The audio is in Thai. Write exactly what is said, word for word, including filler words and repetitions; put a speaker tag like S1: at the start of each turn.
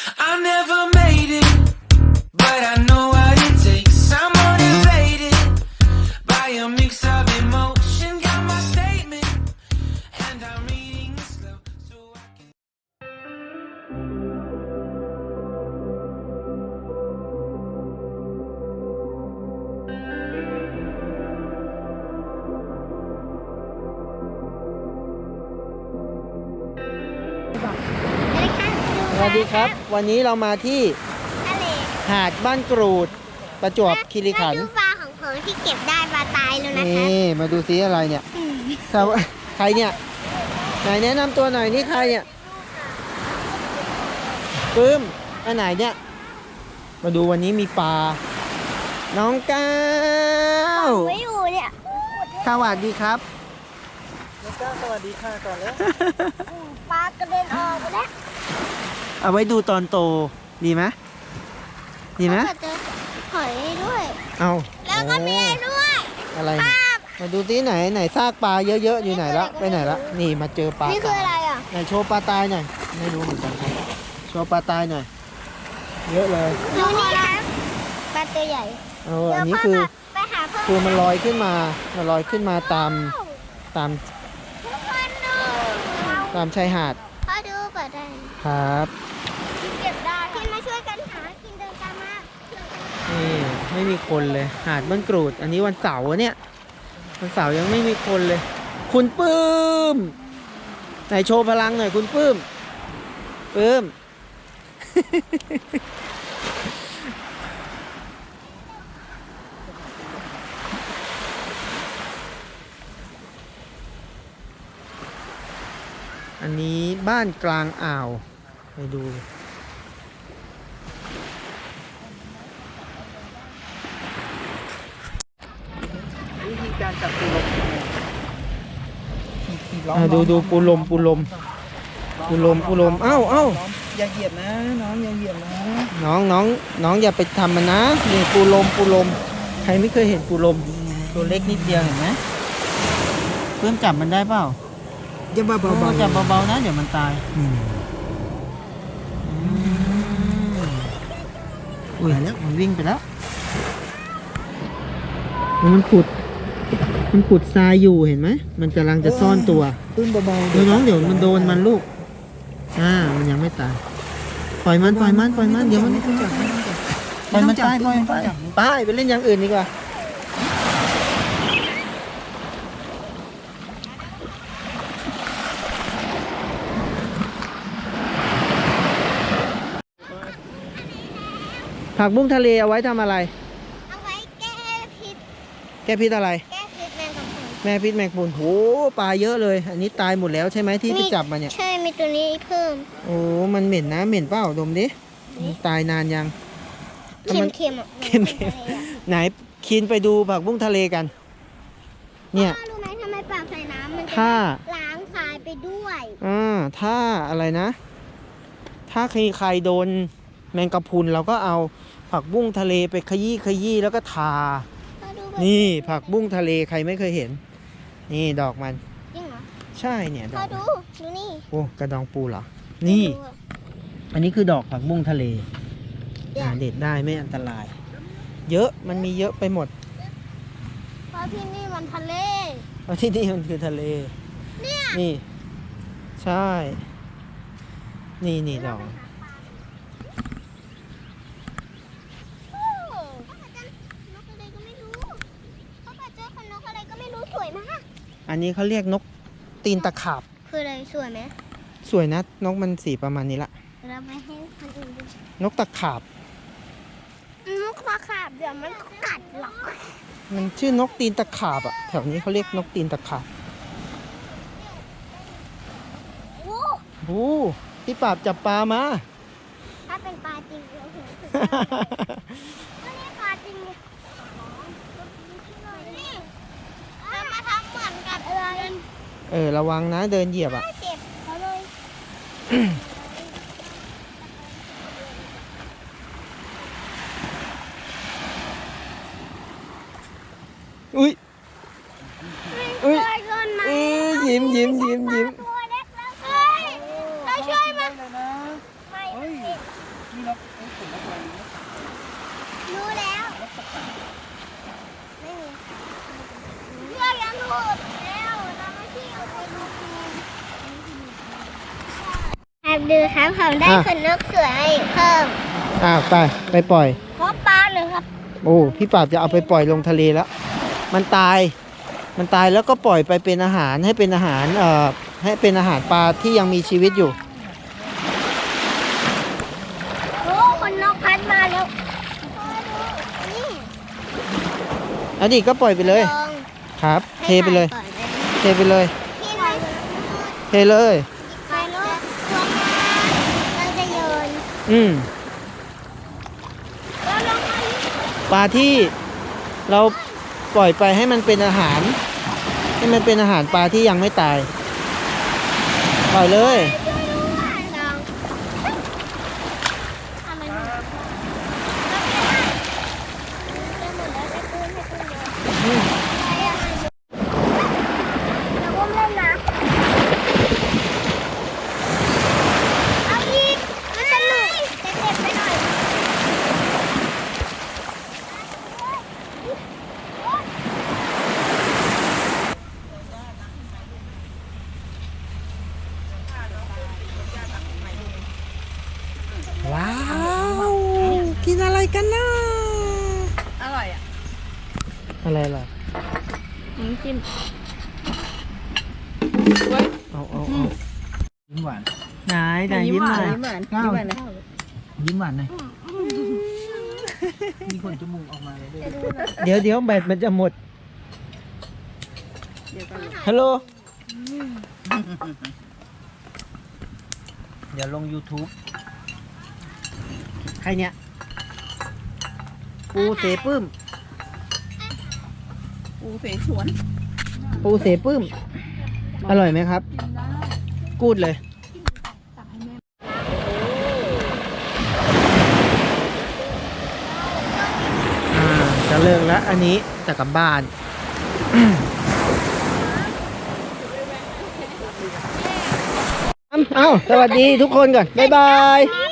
S1: I never made it, but I know what it takes. I'm motivated by a mix of emotion. Got my statement, and I'm reading it slow so I can.
S2: สวัสดีครับวันนี้เรามาที่
S3: ทะเล
S2: หาดบ้านกรูดประจวบคีรีขันธ์
S3: มาดูปลาของผมที่เก็บได้ปลาตายแล้วนะคะ
S2: นี่มาดูซิอะไรเนี่ยแต่ว่าใครเนี่ยไหนแนะนำตัวหน่อยนี่ใครเนี่ยปื้มอันไหนเนี่ยมาดูวันนี้มีปลาน้องก้าว
S3: ไม่อยู่เนี่ย
S2: สวัสดีครับน้องก้าวสวัสดีค่ะก่อนแล้ว
S3: ปลากระเด็นออกไปแล้ว
S2: เอาไว้ดูตอนโตดีไหมดีไหม
S3: แล้วก็เจอหอยด้วย
S2: เอา
S3: แล้วก็มีอะไรด้วย
S2: อะไรเนี่ยมาดูที่ไหนไหนซากปลาเยอะๆอยู่ไหนละไปไหนละนี่มาเจอปลา
S3: นี่คืออะไรอ่ะ
S2: ไหนโชว์ปลาตายหน่อยไม่รู้เหมือนกันครับโชว์ปลาตายหน่อยเยอะเลย
S3: ดูนี่ครับปลาตัวใหญ่
S2: เอออันนี้คือ
S3: ไปหาเพิ่ม
S2: คือมันลอยขึ้นมามันลอยขึ้นมาตามตาม
S3: ทุกคนดู
S2: ตามชายหาด
S3: พอดูเปิดได้
S2: ครับ
S3: เก็บได้กินมาช่วยกันหากินเดินตามมา
S2: นี่ไม่มีคนเลยหาดบ้านกรูด อันนี้วันเสาร์เนี่ยวันเสาร์ยังไม่มีคนเลย คุณปื้มไหนโชว์พลังหน่อยคุณปื้มปื้ม อันนี้บ้านกลางอ่าวไปดูวิธีการจับปูลมดูดูปูลมปูลมปูลมปูลมเอ้าเอ้า
S4: อย่าเหยียบนะน้องอย่าเหยียบนะ
S2: น้องน้องน้องอย่าไปทำมันนะนี่ปูลมปูลมใครไม่เคยเห็นปูลมตัวเล็กนิดเดียวเห็นไหมเพิ่มจับมันได้เปล่า
S4: อย่าเบา
S2: เบา
S4: ๆ
S2: จับเบาๆนะเดี๋ยวมันตาย
S4: นี่
S2: อุ้ยแล้วมันวิ่งไปแล้วมันขุด มันขุดทรายอยู่เห็นไหมมันกำลังจะซ่อนตัว
S4: ปื้มเบาๆ
S2: เดี๋ยวน้องเดี๋ยวมันโดนมันลูกอ่ามันยังไม่ตายปล่อยมันปล่อยมันปล่อยมันเดี๋ยวมัน
S4: ไม่ต้องจับไม่ต้องจับ
S2: ปล่อยมันตายปล่อยมันไปไปไปเล่นอย่างอื่นดีกว่าผักบุ้งทะเลเอาไว้ทำอะไร
S3: เอาไว้แก้พิษ
S2: แก้พิษอะไร
S3: แก้พิษแมงกะพรุน
S2: แม่พิษแมงกะพรุนโหปลาเยอะเลย อันนี้ตายหมดแล้วใช่ไหมที่ไปจับมาเนี่ย
S3: ใช่มีตัวนี้เพิ่ม
S2: โอ้มันเหม็นนะเหม็นเปล่าดมดิมันตายนานยัง
S3: เค็มเค็มๆอ่ะ
S2: เค็มๆไหนคินไปดูผักบุ้งทะเลกัน เนี่ย
S3: พ่อรู้ไหมทำไมปลาใส่น้ำมันจะ
S2: ถ้า
S3: ล้างทรายไปด้วย
S2: อ่าถ้าอะไรนะ ถ้าใครใครโดนแมงกะพรุนเราก็เอาผักบุ้งทะเลไปขยี้ขยี้แล้วก็ทา
S3: พ่อดูแบบ
S2: นี่ผักบุ้งทะเลใครไม่เคยเห็น นี่ดอกมัน
S3: จริงเหรอ
S2: ใช่เนี่ยด
S3: พ่
S2: อ
S3: อก ดูดูนี่
S2: โอ้กระดองปูเหรอ นี่
S3: ดูอะ
S2: อันนี้คือดอกผักบุ้งทะเล
S3: เนี่ย
S2: หาเด็ดได้ไม่อันตราย เยอะมันมีเยอะไปหมด
S3: เพราะที่นี่มันทะเล
S2: เพราะที่นี่มันคือทะเล
S3: เนี่ย
S2: นี่ ใช่ นี่นี่ดอก
S3: โอ้พ่อเจอนกอะไรก็ไม่รู้พ่อเจอคนนกอะไรก็ไม่รู้สวยมาก
S2: อันนี้เขาเรียกนกตีนตะขาบ
S3: คืออะไรสวยไหม
S2: สวยนะนกมันสีประมาณนี้ละ
S3: เราไปให้คนอื่นดู
S2: นกตะขาบ
S3: นกตะขาบเดี๋ยวมันกัดหรอก
S2: มันชื่อนกตีนตะขาบอะแถวนี้เขาเรียกนกตีนตะขาบ
S3: โอ้
S2: โอ้พี่ปราบจับปลามา
S3: ถ้าเป็นปลาจริงเราเห็นสุดก็นี่ปลาจริงเนี่ยนี่เรามาทำเหมือนกับอะไร
S2: เออระวังนะเดินเหยียบอะ
S3: เจ็บเขาเลย
S2: อุ้ย อุ้ย
S3: ช่วยกันไหม
S2: เอ้ยยิ้มยิ้มยิ้มยิ้ม
S3: ตัวเล็กแล้วเฮ้ยเราช่วยมัน
S4: เลยนะ
S3: ไม่มันติดรู้แล้ว ไม่มีเพื่อนยังถูกแล้วเราไม่ที่เอาไปดูครับดูครับผมได้ขนนกสวยเพิ่ม
S2: อ่าไปไปปล่อย
S3: เพราะปลาหนึ่งครับ
S2: โอ้พี่ปราบจะเอาไปปล่อยลงทะเลแล้ว มันตาย มันตายแล้วก็ปล่อยไปเป็นอาหารให้เป็นอาหารเอ่อให้เป็นอาหารปลาที่ยังมีชีวิตอยู่
S3: โอ้คนนกพัดมาแล้วนี่
S2: แล้วดิก็ปล่อยไปเลย
S3: ลอง
S2: ครับ เทไปเลย
S3: ให้ถ่าก่อนนะ
S2: เทไปเลย
S3: พี่หน่อย
S2: เทเลย
S3: ไปนกตัวงานเราจะโยน
S2: อืม
S3: แล้วลงมาอีก
S2: ปลาที่เราปล่อยไปให้มันเป็นอาหาร ให้มันเป็นอาหารปลาที่ยังไม่ตาย ปล่อยเลย
S3: ช่วยด้วยลองทำไมมันแล้วจะหมดแล้วจะปืนให้ปืนโยนไปอ่ะเดี๋ยวอุ้มเล่นนะเอาอีกมันสนุกแต่เจ็บไปหน่อย
S2: ว้าว กินอะไรกันนะ
S4: อร่อยอ่ะ
S2: อะไรล่ะ
S4: น้ำจิ้ม
S2: เอาเอาเอา
S4: ยิ้มหวาน
S2: ไหนไหนยิ้มหน่อย
S4: ยิ้มหวานยิ้มหวานนะยิ้มหวานหน่อยมีขนจมูกออกมาเลยด้วย
S2: เดี๋ยวเดี๋ยวแบตมันจะหมด ฮัลโหล เดี๋ยวลง YouTube ใครเนี่ย ปูเสปื้ม
S4: ปูเสฉวน
S2: ปูเสปื้ม อร่อยไหมครับ กูดเลย อ่า จะเลิกแล้ว อันนี้จะกลับบ้าน เอ้า สวัสดีทุกคนก่อน บ๊ายบาย